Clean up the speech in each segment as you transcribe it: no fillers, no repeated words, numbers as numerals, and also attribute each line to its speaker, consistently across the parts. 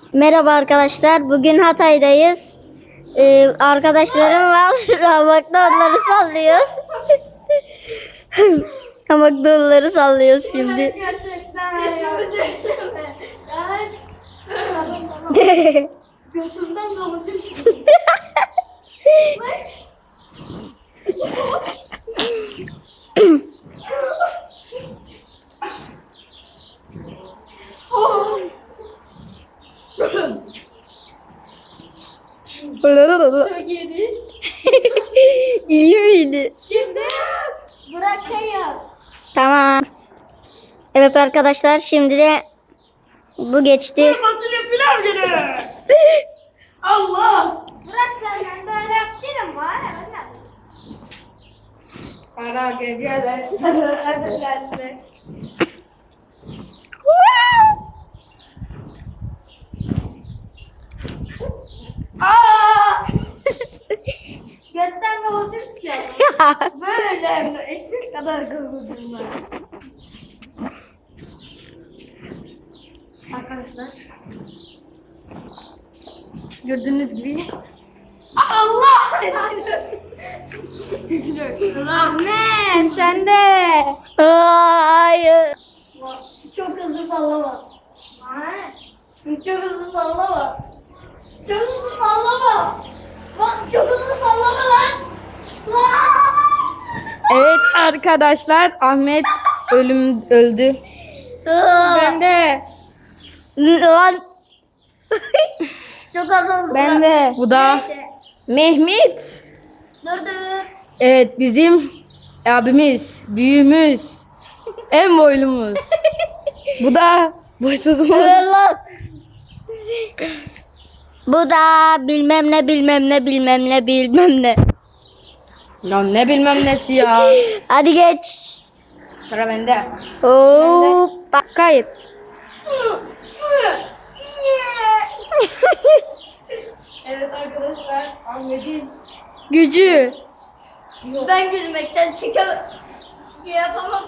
Speaker 1: Merhaba arkadaşlar. Bugün Hatay'dayız. Arkadaşlarım var. Hamakta onları sallıyoruz. Hamakta onları sallıyoruz şimdi.
Speaker 2: Götümden damacım çıkıyor. Çok iyiydi.
Speaker 1: İyi miydi?
Speaker 2: Şimdi bırakayım.
Speaker 1: Tamam. Evet arkadaşlar, şimdi de bu geçti.
Speaker 2: Fasulye pilav geliyor. Allah. Bırak sen, ben böyle yaptım var. Kara geceler. Aa! Götten kavacım çıkıyor. Böyle eşek kadar kavacım var. Arkadaşlar. Gördüğünüz gibi. Allah!
Speaker 1: Ahmet sen de. Hayır.
Speaker 2: Çok hızlı sallama. Çok hızlı sallama. Çok hızlı sallama. Bak çok hızlı sallama lan.
Speaker 3: Evet arkadaşlar, Ahmet öldü.
Speaker 1: Ben de. Lan.
Speaker 2: Çok az oldu.
Speaker 1: Ben de.
Speaker 3: Bu da
Speaker 2: Neyse.
Speaker 3: Mehmet.
Speaker 2: Dur.
Speaker 3: Evet, bizim abimiz, büyüğümüz, en boylumuz. Bu da boysuzumuz.
Speaker 1: Lan. Bu da bilmem ne.
Speaker 3: Ya ne bilmem nesi ya.
Speaker 1: Hadi geç.
Speaker 3: Sıra bende.
Speaker 1: Hoppa. Kayıt.
Speaker 2: Evet arkadaşlar, Ahmet'in
Speaker 1: Gücü.
Speaker 2: ben gülmekten şey yapamam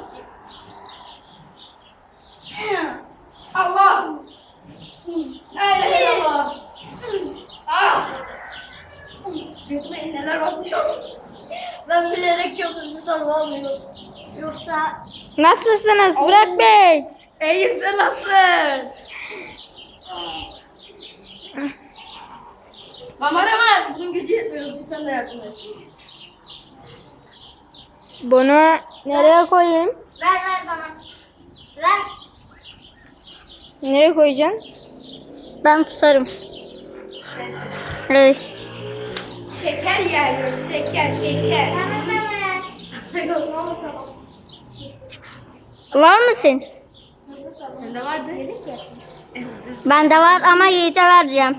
Speaker 2: ki. Allah! Hayır Allah! Ah! Götüme iğneler batıyor. Ben bilerek çok hızlı sallamıyorum. Yoksa
Speaker 1: Nasılsınız Burak Bey?
Speaker 3: İyiyim, sen nasılsın?
Speaker 2: kameraman bunun gücü yetmiyor. Sen de yardım et.
Speaker 1: Bunu nereye koyayım?
Speaker 2: Ver bana. Ver.
Speaker 1: Nereye koyacaksın? Ben tutarım. Evet.
Speaker 2: Şeker yiyoruz. Şeker. Sana yok ne olursa bak.
Speaker 1: Var mısın?
Speaker 2: Sende vardı.
Speaker 1: Bende var ama Yiğit'e vereceğim.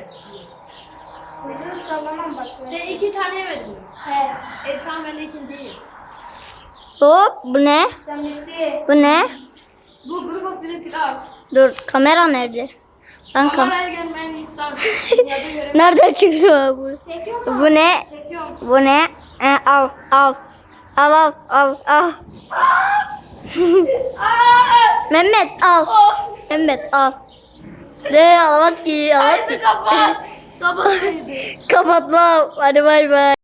Speaker 2: Hızlı sallamam bak. Sen 2 tane yemedin mi? He. Tamam ben de ikinciyi.
Speaker 1: Hop, bu ne?
Speaker 2: Sen bitti.
Speaker 1: Bu ne?
Speaker 2: Bu kuru fasulye pilav.
Speaker 1: Dur, kamera nerede? Ben
Speaker 2: Kameraya görmeyen insan. Dünyada göremez.
Speaker 1: Nerede çıkıyor bu?
Speaker 2: Çekiyor mu?
Speaker 1: Bu ne?
Speaker 2: Çekiyorum.
Speaker 1: Bu ne? Al. Mehmet al. Mehmet al. De alamat ki.
Speaker 2: Haydi kapat. Kapat.
Speaker 1: Kapatma. Hadi bay bay.